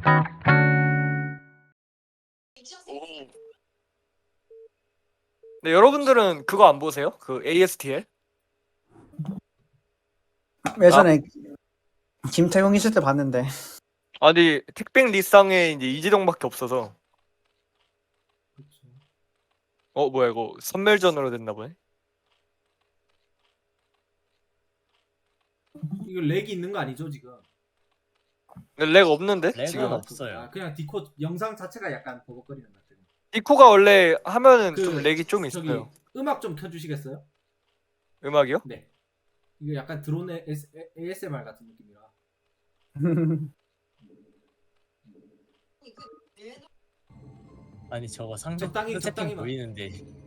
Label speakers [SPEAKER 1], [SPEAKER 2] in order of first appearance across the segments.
[SPEAKER 1] 네, 여러분들은 그거 안 보세요? 그 ASTL?
[SPEAKER 2] 예전에 김태용 있을 때 봤는데.
[SPEAKER 1] 아니 택배 리쌍에 이제 이재동밖에 없어서. 뭐야 이거 선멸전으로 됐나 보네.
[SPEAKER 3] 이거 렉이 있는 거 아니죠 지금?
[SPEAKER 1] 근데 렉 없는데
[SPEAKER 4] 렉은
[SPEAKER 1] 지금?
[SPEAKER 4] 없어요.
[SPEAKER 3] 아, 그냥 디코 영상 자체가 약간 버벅거리는 것 같아요.
[SPEAKER 1] 디코가 원래 하면은
[SPEAKER 3] 그,
[SPEAKER 1] 좀 렉이 좀
[SPEAKER 3] 저기
[SPEAKER 1] 있어요.
[SPEAKER 3] 음악 좀 켜주시겠어요?
[SPEAKER 1] 음악이요?
[SPEAKER 3] 네. 이거 약간 드론 ASMR 같은 느낌이라.
[SPEAKER 4] 아니 저거 상대
[SPEAKER 3] 적당히
[SPEAKER 4] 채팅 보이는데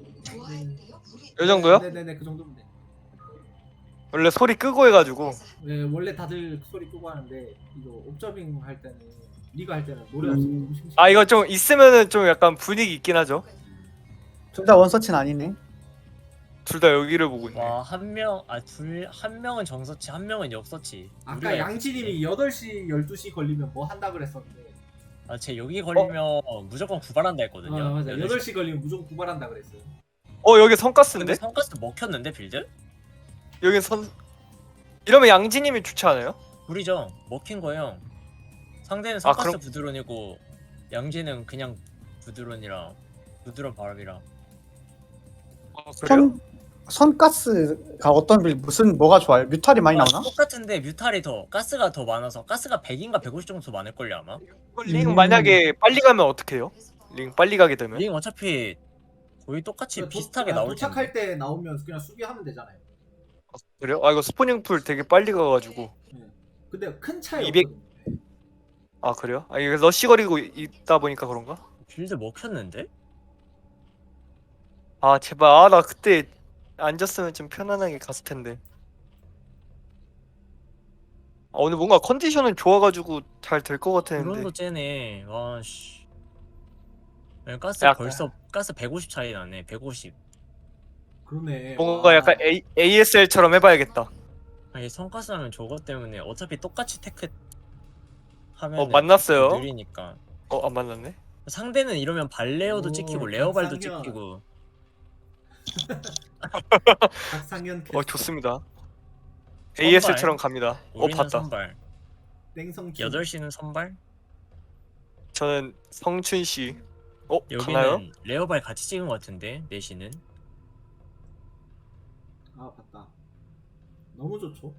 [SPEAKER 1] 이 정도요?
[SPEAKER 3] 네네네 그 정도면 돼.
[SPEAKER 1] 원래 소리 끄고 해가지고.
[SPEAKER 3] 네 원래 다들 소리 끄고 하는데 이거 옵저빙 할 때는 리가 할 때는 노래 없으면 너무 심심해.
[SPEAKER 1] 아 이거 좀 있으면은 좀 약간 분위기 있긴 하죠.
[SPEAKER 2] 둘 다 원서치는 아니네.
[SPEAKER 1] 둘 다 여기를 보고 있네.
[SPEAKER 4] 와 한 명은 정서치 한 명은 역서치.
[SPEAKER 3] 아까 양진님이 8시 12시 걸리면 뭐 한다 그랬었는데
[SPEAKER 4] 쟤 여기 걸리면 무조건 구발한다 했거든요.
[SPEAKER 3] 맞아 8시 걸리면 무조건 구발한다 그랬어요.
[SPEAKER 1] 여기
[SPEAKER 4] 근데
[SPEAKER 1] 선가스인데?
[SPEAKER 4] 성가스 먹혔는데 빌드?
[SPEAKER 1] 여긴 선 이러면 양지님이 좋지 않아요?
[SPEAKER 4] 우리죠. 먹힌 거예요. 상대는 성가스
[SPEAKER 1] 그럼-
[SPEAKER 4] 부드론이고 양지는 그냥 부드론이라 부드러운 바람이라.
[SPEAKER 1] 그래요?
[SPEAKER 2] 선가스가 어떤 빌 무슨 뭐가 좋아요? 뮤탈이 많이 나오나?
[SPEAKER 4] 똑같은데 뮤탈이 가스가 더 많아서 가스가 100인가 150 정도 더 많을걸요 아마.
[SPEAKER 1] 링 만약에 빨리 가면 어떻게 해요? 링 빨리 가게 되면?
[SPEAKER 4] 링 어차피 거의 똑같이
[SPEAKER 3] 도-
[SPEAKER 4] 비슷하게
[SPEAKER 3] 아,
[SPEAKER 4] 나올
[SPEAKER 3] 도착할
[SPEAKER 4] 텐데.
[SPEAKER 3] 때 나오면 그냥 수비하면 되잖아요.
[SPEAKER 1] 그래요? 이거 스포닝 풀 되게 빨리 가가지고.
[SPEAKER 3] 근데 큰 차이
[SPEAKER 1] 200
[SPEAKER 3] 없거든요.
[SPEAKER 1] 그래요? 이게 러쉬 거리고 있다 보니까 그런가?
[SPEAKER 4] 빌드 먹혔는데?
[SPEAKER 1] 제발 나 그때 앉았으면 좀 편안하게 갔을 텐데. 오늘 뭔가 컨디션은 좋아가지고 잘 될 것 같았는데.
[SPEAKER 4] 드론도 째네. 와씨. 가스
[SPEAKER 1] 약간-
[SPEAKER 4] 벌써 가스 150 차이 나네. 150.
[SPEAKER 3] 그러네.
[SPEAKER 1] 뭔가
[SPEAKER 3] 와.
[SPEAKER 1] 약간 ASL처럼 해봐야겠다.
[SPEAKER 4] 아니 성가스 하면 저것 때문에 어차피 똑같이 테크 하면
[SPEAKER 1] 만났어요.
[SPEAKER 4] 느리니까.
[SPEAKER 1] 안 만났네.
[SPEAKER 4] 상대는 이러면 발레어도
[SPEAKER 3] 오,
[SPEAKER 4] 찍히고 레어발도
[SPEAKER 3] 박상현.
[SPEAKER 4] 찍히고.
[SPEAKER 3] 박상현
[SPEAKER 1] 좋습니다.
[SPEAKER 4] 선발.
[SPEAKER 1] ASL처럼 갑니다.
[SPEAKER 4] 우리는
[SPEAKER 1] 봤다.
[SPEAKER 4] 선발.
[SPEAKER 3] 땡성
[SPEAKER 4] 8시는 선발.
[SPEAKER 1] 저는 성춘 씨. 가나요?
[SPEAKER 4] 여기는 레어발 같이 찍은 것 같은데 4시는.
[SPEAKER 3] 봤다. 너무 좋죠.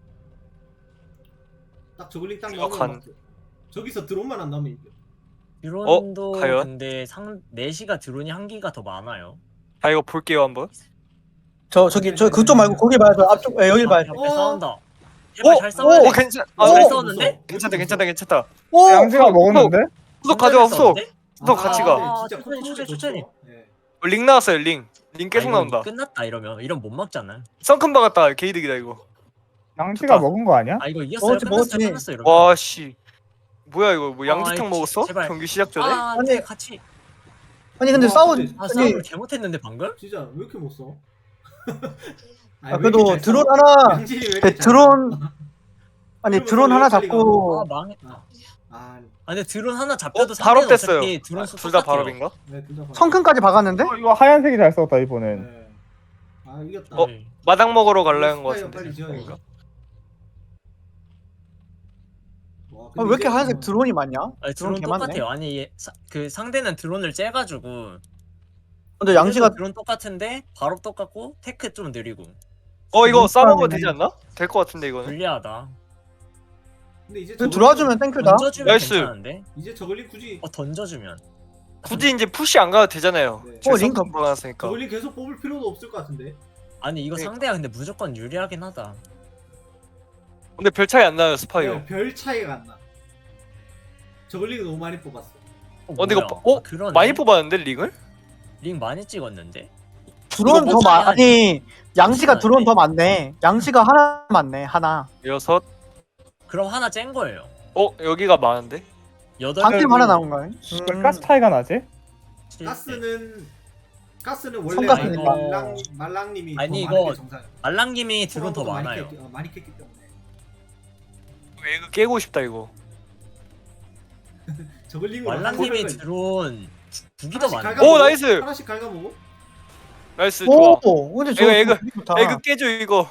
[SPEAKER 3] 딱 저글링 딱
[SPEAKER 1] 이거
[SPEAKER 3] 나오면 막 저기서 드론만 안 나오면 이겨.
[SPEAKER 4] 드론도
[SPEAKER 1] 과연?
[SPEAKER 4] 근데 4시가 드론이 한 기가 더 많아요.
[SPEAKER 1] 이거 볼게요 한번.
[SPEAKER 2] 저기 그쪽 말고 거기 봐야죠. 앞쪽 여기 봐야죠.
[SPEAKER 4] 옆에 싸운다. 제발 잘 싸워야 돼.
[SPEAKER 1] 괜찮.
[SPEAKER 4] 잘 싸웠는데?
[SPEAKER 1] 괜찮다.
[SPEAKER 2] 오!
[SPEAKER 5] 양지가 먹었는데?
[SPEAKER 1] 후속 가져와 후속.
[SPEAKER 4] 싸웠는데?
[SPEAKER 1] 후속 같이 가.
[SPEAKER 3] 근데 진짜
[SPEAKER 4] 천천히,
[SPEAKER 3] 컨트롤이
[SPEAKER 4] 천천히.
[SPEAKER 3] 좋죠. 네.
[SPEAKER 1] 링 나왔어요 링. 링 계속
[SPEAKER 4] 이거
[SPEAKER 1] 나온다.
[SPEAKER 4] 끝났다 이러면 못 막잖아.
[SPEAKER 1] 썬큰 박았다. 게이득이다 이거.
[SPEAKER 5] 양지가
[SPEAKER 1] 좋다.
[SPEAKER 5] 먹은 거 아니야?
[SPEAKER 4] 이거 이겼어요.
[SPEAKER 2] 먹었지.
[SPEAKER 4] 끝났어 이러면.
[SPEAKER 1] 와 씨. 뭐야 이거 뭐 양지탕
[SPEAKER 4] 이
[SPEAKER 1] 먹었어?
[SPEAKER 4] 제발.
[SPEAKER 1] 경기 시작 전에?
[SPEAKER 4] 근데 같이
[SPEAKER 2] 아니 근데
[SPEAKER 3] 와,
[SPEAKER 2] 싸운
[SPEAKER 3] 근데-
[SPEAKER 2] 아니
[SPEAKER 4] 싸움을 잘못했는데 방금?
[SPEAKER 3] 진짜 왜 이렇게 못 써?
[SPEAKER 2] 그래도 드론 하나 드론 아니
[SPEAKER 3] 그러면
[SPEAKER 2] 드론 하나
[SPEAKER 3] 빨리
[SPEAKER 2] 잡고
[SPEAKER 4] 망했다.
[SPEAKER 3] 아,
[SPEAKER 4] 근데 드론 하나 잡혀도
[SPEAKER 1] 바로
[SPEAKER 4] 상대는
[SPEAKER 1] 뗐어요.
[SPEAKER 4] 어차피 드론 수
[SPEAKER 1] 둘 다
[SPEAKER 4] 똑같아요.
[SPEAKER 1] 발업인가?
[SPEAKER 3] 네, 둘다
[SPEAKER 2] 성큰까지 박았는데?
[SPEAKER 5] 이거 하얀색이 잘 썼다 이번엔.
[SPEAKER 3] 네. 이겼다.
[SPEAKER 4] 네.
[SPEAKER 1] 마당 먹으러 갈라는 거
[SPEAKER 3] 스파이어
[SPEAKER 1] 같은데.
[SPEAKER 3] 빨리 지어야
[SPEAKER 1] 그런가?
[SPEAKER 3] 와,
[SPEAKER 2] 왜 이렇게 하얀색 드론이 많냐?
[SPEAKER 4] 아니, 드론
[SPEAKER 2] 개 많네.
[SPEAKER 4] 똑같아요. 아니 그 상대는 드론을 째가지고
[SPEAKER 2] 근데 양지가
[SPEAKER 4] 드론 똑같은데 바로 똑같고 테크 좀 느리고
[SPEAKER 1] 이거 싸먹으면
[SPEAKER 2] 사람이네.
[SPEAKER 1] 되지 않나? 될 것 같은데 이거는.
[SPEAKER 4] 불리하다.
[SPEAKER 3] 근데 이제
[SPEAKER 2] 들어와주면 땡큐다.
[SPEAKER 4] 던져주면
[SPEAKER 1] 나이스.
[SPEAKER 4] 괜찮은데?
[SPEAKER 3] 이제 저글링 굳이
[SPEAKER 4] 던져주면
[SPEAKER 1] 굳이 이제 푸시 안 가도 되잖아요.
[SPEAKER 3] 네.
[SPEAKER 1] 링
[SPEAKER 2] 링크.
[SPEAKER 1] 들어갔으니까.
[SPEAKER 3] 저글링 계속 뽑을 필요도 없을 것 같은데.
[SPEAKER 4] 아니 이거
[SPEAKER 1] 네.
[SPEAKER 4] 상대가 근데 무조건 유리하긴 하다.
[SPEAKER 1] 근데 별 차이 안 나요 스파이어.
[SPEAKER 3] 네, 별 차이가 안 나. 저글링 너무 많이 뽑았어.
[SPEAKER 1] 근데 이거
[SPEAKER 4] 뭐야? 그러네.
[SPEAKER 1] 많이 뽑았는데 링을?
[SPEAKER 4] 링 많이 찍었는데?
[SPEAKER 2] 드론
[SPEAKER 1] 이거
[SPEAKER 2] 더
[SPEAKER 4] 차이
[SPEAKER 2] 아니 양지가
[SPEAKER 4] 차이
[SPEAKER 2] 드론
[SPEAKER 4] 나네.
[SPEAKER 2] 더 많네. 양지가 하나 많네 하나.
[SPEAKER 1] 6.
[SPEAKER 4] 그럼 하나 짠 거예요.
[SPEAKER 1] 여기가 많은데?
[SPEAKER 4] 8
[SPEAKER 2] 단팀 하나 나온 거야.
[SPEAKER 5] 왜 가스 차이가 나지?
[SPEAKER 3] 가스는 원래
[SPEAKER 2] 성가스니까.
[SPEAKER 3] 말랑님이
[SPEAKER 4] 아니,
[SPEAKER 3] 더 많은
[SPEAKER 4] 이거
[SPEAKER 3] 게 정상.
[SPEAKER 4] 알랑님이 드론 더 많아요.
[SPEAKER 3] 많이 깼기 때문에.
[SPEAKER 1] 이거 깨고 싶다 이거.
[SPEAKER 3] 저글링으로
[SPEAKER 4] 말랑님이 드론 두 개 더 많아.
[SPEAKER 1] 오, 나이스!
[SPEAKER 3] 하나씩 갉아먹어.
[SPEAKER 1] 나이스 좋아.
[SPEAKER 2] 오, 근데 저
[SPEAKER 1] 이거,
[SPEAKER 2] 되게 좋다.
[SPEAKER 1] 에그 깨줘 이거.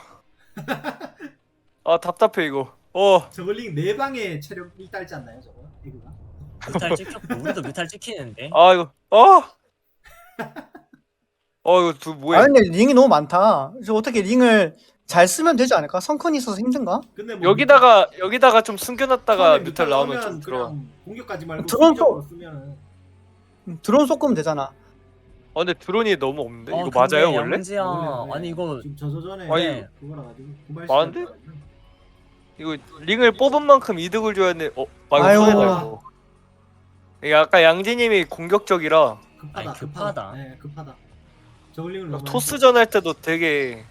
[SPEAKER 1] 아 답답해 이거.
[SPEAKER 3] 저글링 4방에 체력이 딸지 않나요 저거? 에그가?
[SPEAKER 4] 뮤탈 찍혔고 우리도 뮤탈 찍히는데.
[SPEAKER 1] 아 이거 이거 뭐야?
[SPEAKER 2] 아 근데 링이 너무 많다. 그래서 어떻게 링을 잘 쓰면 되지 않을까? 성큰이 있어서 힘든가?
[SPEAKER 3] 근데 뭐
[SPEAKER 1] 여기다가 좀 숨겨놨다가
[SPEAKER 3] 처음에
[SPEAKER 1] 뮤탈 나오면 좀 들어.
[SPEAKER 3] 그냥 공격하지 말고
[SPEAKER 2] 드론
[SPEAKER 3] 수비적으로 쓰면은
[SPEAKER 2] 드론 쏘면 되잖아.
[SPEAKER 1] 근데 드론이 너무 없는데 이거
[SPEAKER 4] 근데
[SPEAKER 1] 맞아요 원래?
[SPEAKER 4] 양지야.
[SPEAKER 3] 원래
[SPEAKER 4] 아니 이거
[SPEAKER 3] 지금 저전에
[SPEAKER 1] 아니,
[SPEAKER 3] 그거라 가지고
[SPEAKER 1] 많은데? 이거 링을 뽑은 만큼 이득을 줘야 돼. 이거
[SPEAKER 2] 아유.
[SPEAKER 1] 손해다 이거. 이게 아까 양지님이 공격적이라
[SPEAKER 3] 급하다
[SPEAKER 4] 아니,
[SPEAKER 3] 급하다.
[SPEAKER 4] 급하다.
[SPEAKER 3] 네 급하다. 저글링을 너무
[SPEAKER 1] 토스전 할 때도 되게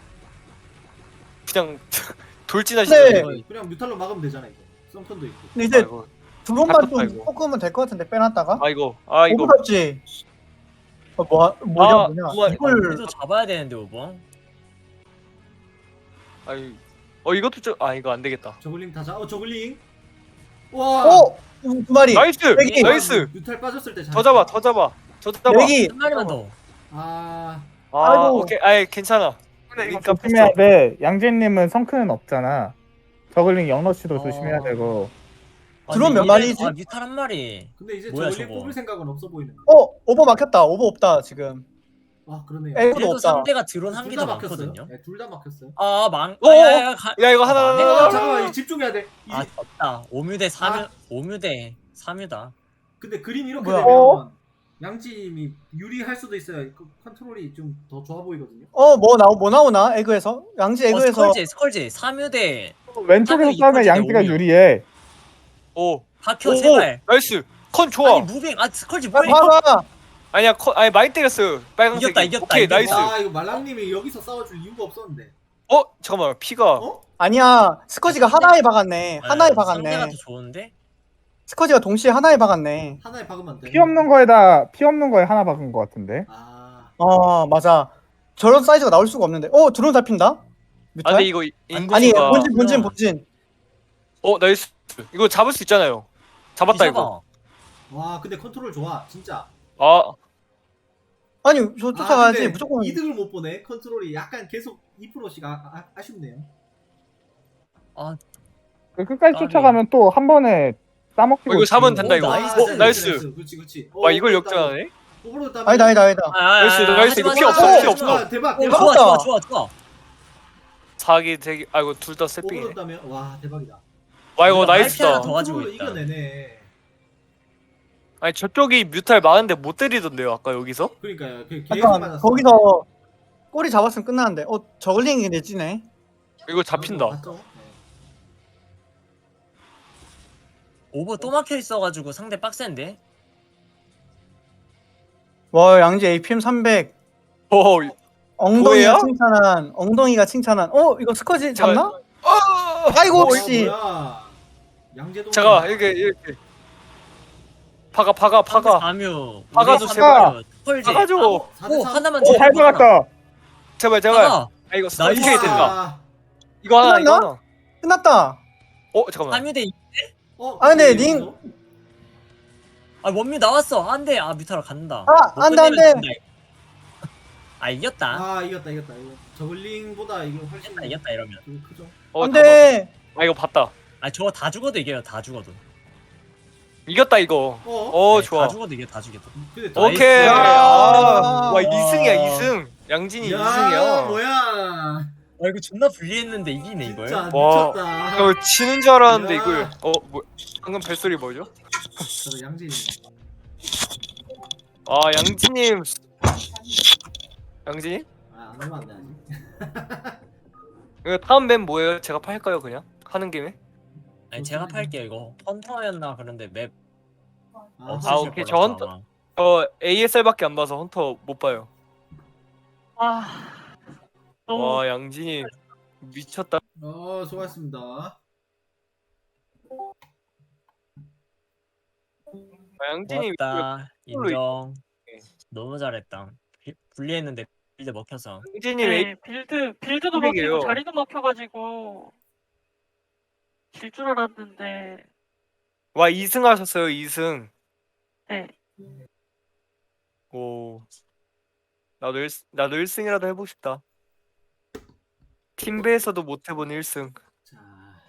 [SPEAKER 1] 그냥
[SPEAKER 2] 네.
[SPEAKER 1] 돌진하시더라고요.
[SPEAKER 3] 많이 했어. 그냥 뮤탈로 막으면 되잖아 이거. 썸턴도 있고.
[SPEAKER 2] 근데 이제
[SPEAKER 1] 아이고.
[SPEAKER 2] 드론만
[SPEAKER 1] 아깝다,
[SPEAKER 2] 좀
[SPEAKER 1] 이거.
[SPEAKER 2] 섞으면 될 것 같은데 빼놨다가.
[SPEAKER 1] 이거
[SPEAKER 2] 오버 잡지. 뭐냐
[SPEAKER 1] 뭐야.
[SPEAKER 2] 이걸
[SPEAKER 4] 우리도 잡아야 되는데 오버.
[SPEAKER 1] 이것도 이거 안 되겠다.
[SPEAKER 3] 저글링 다 잡. 저글링. 와.
[SPEAKER 2] 두 마리.
[SPEAKER 1] 나이스
[SPEAKER 2] 여기.
[SPEAKER 1] 나이스.
[SPEAKER 3] 뮤탈 빠졌을 때
[SPEAKER 1] 더 잡아 더 잡아 더 잡아.
[SPEAKER 2] 여기
[SPEAKER 4] 한 마리만 더.
[SPEAKER 3] 아
[SPEAKER 2] 아이고.
[SPEAKER 1] 오케이 괜찮아.
[SPEAKER 5] 이거
[SPEAKER 1] 그러니까
[SPEAKER 5] 조심해야 돼. 양재님은 성큰은 없잖아. 저글링 영러시도
[SPEAKER 4] 어.
[SPEAKER 5] 조심해야 되고.
[SPEAKER 2] 드론 몇
[SPEAKER 4] 이래도-
[SPEAKER 2] 마리지?
[SPEAKER 4] 뮤탈 한 마리.
[SPEAKER 3] 근데 이제
[SPEAKER 4] 뭐야,
[SPEAKER 3] 저글링
[SPEAKER 4] 저거.
[SPEAKER 3] 뽑을 생각은 없어 보이는.
[SPEAKER 2] 오버 막혔다. 오버 없다 지금.
[SPEAKER 3] 아 그러네요.
[SPEAKER 2] 에이,
[SPEAKER 4] 그래도
[SPEAKER 2] 없다.
[SPEAKER 4] 상대가 드론 한 개
[SPEAKER 3] 둘
[SPEAKER 4] 더
[SPEAKER 3] 다 막혔어요.
[SPEAKER 4] 많거든요.
[SPEAKER 3] 네, 둘 다 막혔어요.
[SPEAKER 1] 야 이거 하나
[SPEAKER 4] 아,
[SPEAKER 3] 잠깐만 집중해야 돼.
[SPEAKER 4] 아 졌다. 5뮤대 3뮤 5뮤대 3뮤다.
[SPEAKER 3] 근데 그림 이렇게
[SPEAKER 2] 뭐야?
[SPEAKER 3] 되면 양팀이 유리할 수도 있어요. 그 컨트롤이 좀 더 좋아 보이거든요.
[SPEAKER 2] 뭐 나오나? 에그에서? 양지 에그에서
[SPEAKER 4] 스컬지 3뮤대
[SPEAKER 5] 왼쪽에서
[SPEAKER 4] 하면
[SPEAKER 5] 싸면
[SPEAKER 4] 이퀄지대
[SPEAKER 5] 양지가
[SPEAKER 4] 오류.
[SPEAKER 5] 유리해.
[SPEAKER 4] 박혀 제발.
[SPEAKER 1] 나이스. 컨 좋아.
[SPEAKER 4] 아니 무빙 스컬지
[SPEAKER 2] 빨리
[SPEAKER 4] 뭐야?
[SPEAKER 2] 봐봐.
[SPEAKER 1] 아니 많이 때렸어요. 빨간색.
[SPEAKER 4] 이겼다,
[SPEAKER 1] 오케이
[SPEAKER 4] 이겼다.
[SPEAKER 1] 나이스.
[SPEAKER 3] 와 이거 말랑님이 여기서 싸워줄 이유가 없었는데.
[SPEAKER 1] 잠깐만 피가.
[SPEAKER 3] 어?
[SPEAKER 2] 아니야. 스커지가 하나에 박았네. 하나에
[SPEAKER 4] 상대가
[SPEAKER 2] 박았네.
[SPEAKER 4] 더 좋은데?
[SPEAKER 2] 스커지가 동시에 하나에 박았네.
[SPEAKER 3] 하나에 박으면 안 돼.
[SPEAKER 5] 피 없는 거에 하나 박은 거 같은데.
[SPEAKER 3] 아
[SPEAKER 2] 맞아. 저런 사이즈가 나올 수가 없는데. 드론 잡힌다? 뮤탈?
[SPEAKER 1] 근데 이거
[SPEAKER 2] 아니,
[SPEAKER 1] 인구가.
[SPEAKER 2] 본진.
[SPEAKER 1] 나이스. 이거 잡을 수 있잖아요. 잡았다
[SPEAKER 4] 뒤져봐.
[SPEAKER 1] 이거.
[SPEAKER 3] 와 근데 컨트롤 좋아 진짜.
[SPEAKER 2] 아니, 저 쫓아가야지.
[SPEAKER 3] 근데
[SPEAKER 2] 무조건.
[SPEAKER 3] 이득을 못 보네. 컨트롤이 약간 계속 2%씩 아쉽네요.
[SPEAKER 5] 끝까지
[SPEAKER 4] 아니.
[SPEAKER 5] 쫓아가면 또 한 번에 따먹히고.
[SPEAKER 1] 이거 잡으면
[SPEAKER 5] 있지.
[SPEAKER 1] 된다, 이거.
[SPEAKER 3] 나이스. 그렇지.
[SPEAKER 1] 와 이걸 역전하네.
[SPEAKER 3] 오버로드 따면
[SPEAKER 2] 아니다.
[SPEAKER 1] 나이스, 이거
[SPEAKER 4] 하지마,
[SPEAKER 1] 피 없어,
[SPEAKER 4] 하지마,
[SPEAKER 1] 피 없어.
[SPEAKER 3] 와, 대박.
[SPEAKER 4] 좋아.
[SPEAKER 1] 사기 되게 이거 둘 다 세핑이네.
[SPEAKER 3] 오버로드 따면 와 대박이다.
[SPEAKER 1] 와 이거
[SPEAKER 4] 우리가
[SPEAKER 1] 나이스다.
[SPEAKER 4] 하나 더 가지고
[SPEAKER 3] 컨트롤로
[SPEAKER 4] 있다.
[SPEAKER 3] 이겨내네.
[SPEAKER 1] 아니 저쪽이 뮤탈 많은데 못 때리던데요 아까 여기서?
[SPEAKER 3] 그러니까요. 계속
[SPEAKER 2] 약간
[SPEAKER 3] 맞았어.
[SPEAKER 2] 거기서 꼬리 잡았으면 끝나는데. 저글링이 내지네.
[SPEAKER 1] 이거 잡힌다.
[SPEAKER 3] 맞죠? 네.
[SPEAKER 4] 오버 또 막혀 있어가지고 상대 빡센데?
[SPEAKER 2] 와, 양지 APM 300.
[SPEAKER 1] 뭐예요?
[SPEAKER 2] 엉덩이가 칭찬한. 이거 스커지 잡나? 아이고, 혹시.
[SPEAKER 3] 뭐야? 양재동.
[SPEAKER 1] 잠깐 이렇게 파가.
[SPEAKER 4] 4뮤
[SPEAKER 1] 박아줘,
[SPEAKER 5] 제발.
[SPEAKER 1] 박아줘.
[SPEAKER 4] 오 하나만
[SPEAKER 5] 잘 박았다.
[SPEAKER 1] 제발. 이거
[SPEAKER 4] 나이스.
[SPEAKER 1] 어떻게 된다. 이거 하나.
[SPEAKER 2] 끝났다.
[SPEAKER 1] 잠깐만.
[SPEAKER 4] 3뮤대
[SPEAKER 2] 근데 링-
[SPEAKER 4] 원뮤 나왔어. 안돼. 뮤타로 간다.
[SPEAKER 2] 안
[SPEAKER 4] 못
[SPEAKER 2] 돼, 안
[SPEAKER 4] 끝내면
[SPEAKER 2] 돼.
[SPEAKER 4] 진다, 이거. 이겼다.
[SPEAKER 3] 이겼다. 이거 저글링보다 이거 훨씬
[SPEAKER 4] 이겼다 이러면.
[SPEAKER 3] 크죠.
[SPEAKER 2] 안 돼.
[SPEAKER 1] 이거 봤다.
[SPEAKER 4] 저거 다 죽어도 이겨요. 다 죽어도.
[SPEAKER 1] 이겼다 이거.
[SPEAKER 4] 네,
[SPEAKER 1] 좋아.
[SPEAKER 4] 다 죽어도 이겨. 다 죽여도.
[SPEAKER 3] 근데
[SPEAKER 1] 오케이.
[SPEAKER 2] 아.
[SPEAKER 1] 와 2승이야 2승. 양진이 2승이야.
[SPEAKER 3] 뭐야?
[SPEAKER 4] 이거 존나 불리했는데 이기네 이걸.
[SPEAKER 3] 진짜
[SPEAKER 1] 와.
[SPEAKER 3] 미쳤다.
[SPEAKER 1] 지는 줄 알았는데
[SPEAKER 3] 야.
[SPEAKER 1] 이걸. 방금 벨소리 뭐죠?
[SPEAKER 3] 저 양진이.
[SPEAKER 1] 양진님. 양진님?
[SPEAKER 3] 안 하면 안 돼, 아직.
[SPEAKER 1] 이거 다음 맵 뭐예요? 제가 팔까요 그냥? 하는 김에?
[SPEAKER 4] 아니 제가 팔게요 이거. 헌터였나 그런데 맵
[SPEAKER 3] 아,
[SPEAKER 1] 오케이. 저 헌터- ASL밖에 안 봐서 헌터 못 봐요. 와 양진이 미쳤다.
[SPEAKER 3] 수고하셨습니다.
[SPEAKER 1] 양진이
[SPEAKER 4] 고맙다. 인정.
[SPEAKER 1] 네.
[SPEAKER 4] 너무 잘했다. 불리했는데 빌드 먹혀서.
[SPEAKER 1] 양진이
[SPEAKER 6] 네, 빌드도
[SPEAKER 1] 흑백이에요.
[SPEAKER 6] 막히고 자리도 막혀가지고 질 줄 알았는데
[SPEAKER 1] 와 2승 하셨어요 2승.
[SPEAKER 6] 네.
[SPEAKER 1] 오. 나도 1승이라도 해보고 싶다. 팀배에서도 못 해본 1승.
[SPEAKER 3] 자,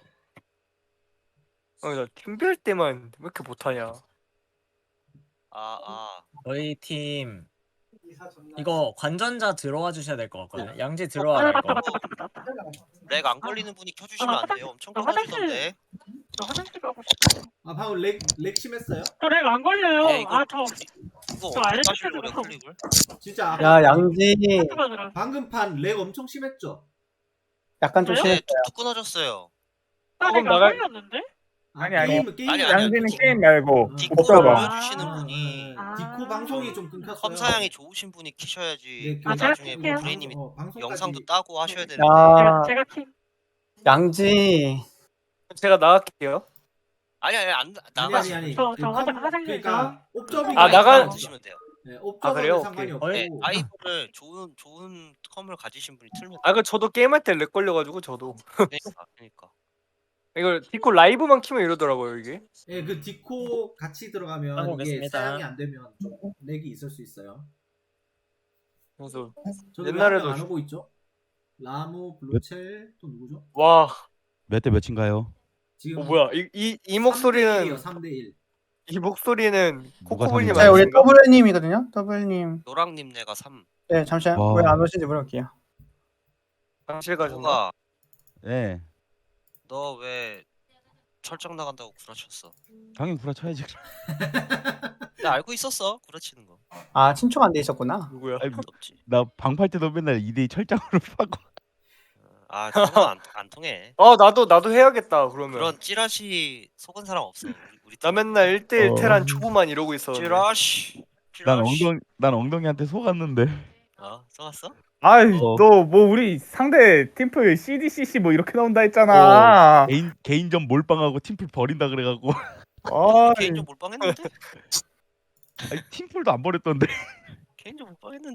[SPEAKER 1] 나 팀배 할 때만 왜 이렇게 못하냐.
[SPEAKER 4] 저희 팀 이거 관전자 들어와 주셔야 될 것 같거든요. 양지 들어와 이거.
[SPEAKER 7] 렉 안 걸리는 분이 켜주시면 안 돼요. 엄청 끊어지던데.
[SPEAKER 6] 저 화장실 가고 싶어요.
[SPEAKER 3] 아 방금 렉 심했어요?
[SPEAKER 6] 저렉안 걸려요.
[SPEAKER 7] 네, 이거
[SPEAKER 6] 저
[SPEAKER 7] 이거
[SPEAKER 6] 저
[SPEAKER 7] 어떻게
[SPEAKER 6] 알려주세요.
[SPEAKER 7] 하시려고 클릭을?
[SPEAKER 3] 진짜
[SPEAKER 2] 야 양지
[SPEAKER 6] 하트가
[SPEAKER 3] 방금 판 렉 엄청 심했죠?
[SPEAKER 2] 약간 좀
[SPEAKER 6] 그래요?
[SPEAKER 2] 심해.
[SPEAKER 7] 네, 툭툭 끊어졌어요.
[SPEAKER 6] 렉안
[SPEAKER 1] 조금 나갈-
[SPEAKER 6] 걸렸는데?
[SPEAKER 5] 아니,
[SPEAKER 3] 게임
[SPEAKER 7] 아니,
[SPEAKER 5] 양지는
[SPEAKER 7] 디코.
[SPEAKER 5] 게임 말고
[SPEAKER 7] 디코를
[SPEAKER 5] 옵저버.
[SPEAKER 7] 올려주시는 분이
[SPEAKER 3] 디코 방송이 좀 끊겼어요.
[SPEAKER 7] 컴사양이 좋으신 분이 키셔야지.
[SPEAKER 3] 네,
[SPEAKER 6] 제가
[SPEAKER 7] 나중에
[SPEAKER 6] 킬게요.
[SPEAKER 7] 브레이님이
[SPEAKER 3] 방송까지-
[SPEAKER 7] 영상도 따고 하셔야 되는데.
[SPEAKER 2] 야
[SPEAKER 6] 제가 키.
[SPEAKER 2] 양지
[SPEAKER 1] 제가 나갈게요.
[SPEAKER 7] 아니 안
[SPEAKER 3] 아니
[SPEAKER 7] 나가시.
[SPEAKER 3] 아니 아니.
[SPEAKER 6] 저
[SPEAKER 3] 그
[SPEAKER 6] 화장실
[SPEAKER 3] 그러니까 옵저빙
[SPEAKER 1] 아, 나가-
[SPEAKER 7] 주시면 돼요.
[SPEAKER 3] 네,
[SPEAKER 1] 아,
[SPEAKER 3] 옵저빙은
[SPEAKER 1] 그래요?
[SPEAKER 3] 상관이
[SPEAKER 1] 오케이.
[SPEAKER 3] 없고.
[SPEAKER 7] 네, 아이브를 좋은 컴을 가지신 분이 틀면
[SPEAKER 1] 그 저도 게임할 때 렉 걸려가지고 저도
[SPEAKER 7] 그러니까.
[SPEAKER 1] 이걸 디코 라이브만 키면 이러더라고요 이게.
[SPEAKER 3] 예, 그 디코 같이 들어가면
[SPEAKER 4] 하고
[SPEAKER 3] 이게
[SPEAKER 4] 오겠습니다.
[SPEAKER 3] 사양이 안 되면 좀 렉이 있을 수 있어요.
[SPEAKER 1] 그래서
[SPEAKER 3] 저기
[SPEAKER 1] 옛날에도
[SPEAKER 3] 안 오고 있죠? 라무, 블루첼 또 누구죠?
[SPEAKER 1] 와,
[SPEAKER 8] 몇 대 몇인가요?
[SPEAKER 3] 지금
[SPEAKER 1] 뭐야 이 목소리는
[SPEAKER 3] 3대 1.
[SPEAKER 1] 이 목소리는
[SPEAKER 8] 누가
[SPEAKER 1] 코코볼님
[SPEAKER 8] 삼인가요?
[SPEAKER 2] 자 우리
[SPEAKER 1] 아니신가?
[SPEAKER 2] 더블님이거든요. 더블님.
[SPEAKER 7] 노랑님 내가 3.
[SPEAKER 2] 네 잠시만
[SPEAKER 8] 와.
[SPEAKER 2] 왜 안 오신지 물어볼게요.
[SPEAKER 1] 당실 가셨나?
[SPEAKER 7] 누가
[SPEAKER 8] 네.
[SPEAKER 7] 너 왜 철장 나간다고 구라쳤어?
[SPEAKER 8] 당연히 구라쳐야지.
[SPEAKER 7] 나 알고 있었어 구라치는 거.
[SPEAKER 2] 아 친추가 안 돼 있었구나.
[SPEAKER 1] 누구야?
[SPEAKER 8] 아니,
[SPEAKER 7] 없지.
[SPEAKER 8] 나 방팔 때도 맨날 2대2 철장으로 파고.
[SPEAKER 7] 아 저건 안 통해.
[SPEAKER 1] 나도 해야겠다 그러면.
[SPEAKER 7] 그런 찌라시 속은 사람 없어. 우리
[SPEAKER 1] 나 맨날 1대1
[SPEAKER 8] 어.
[SPEAKER 1] 테란 초보만 이러고 있었는데.
[SPEAKER 7] 찌라시.
[SPEAKER 8] 난 엉덩이한테 속았는데.
[SPEAKER 7] 써갔어?
[SPEAKER 5] 아이
[SPEAKER 8] 어.
[SPEAKER 5] 너 뭐 우리 상대 팀플 CDCC 뭐 이렇게 나온다 했잖아.
[SPEAKER 8] 개인전 몰빵하고 팀플 버린다 그래갖고.
[SPEAKER 5] 아,
[SPEAKER 7] 개인적 몰빵했는데?
[SPEAKER 8] 아니, 팀플도 안 버렸던데.
[SPEAKER 7] 개인적 몰빵했는데?